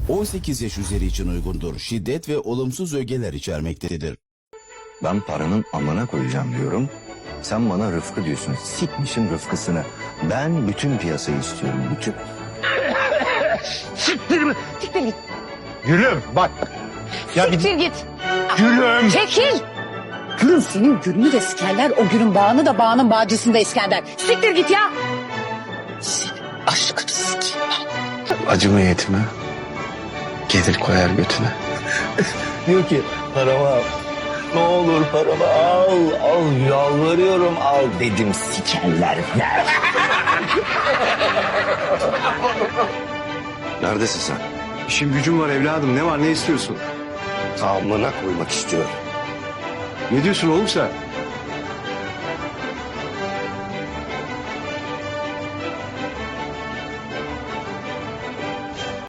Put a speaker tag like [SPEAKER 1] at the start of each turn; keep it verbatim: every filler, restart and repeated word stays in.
[SPEAKER 1] on sekiz yaş üzeri için uygundur. Şiddet ve olumsuz ögeler içermektedir.
[SPEAKER 2] Ben paranın amına koyacağım diyorum. Sen bana Rıfkı diyorsun. Sikmişin Rıfkısını. Ben bütün piyasayı istiyorum. Bütün.
[SPEAKER 3] Siktir mi? Siktir git.
[SPEAKER 4] Gülüm bak. Ya
[SPEAKER 3] Siktir
[SPEAKER 4] bir...
[SPEAKER 3] git.
[SPEAKER 4] Gülüm.
[SPEAKER 3] Çekil. Gülüm senin gülünü de sikerler. O gülün bağını da bağının bağcısını da İskender. Siktir git ya. Senin aşkını sikeyim ben.
[SPEAKER 5] Acıma yetime. Gelir koyar götüne.
[SPEAKER 2] Diyor ki paramı al. Ne olur paramı al. Al yalvarıyorum al dedim sikerler. Neredesin sen?
[SPEAKER 4] İşim gücüm var evladım. Ne var ne istiyorsun?
[SPEAKER 2] Amına koymak istiyorum.
[SPEAKER 4] Ne diyorsun oğlum sen?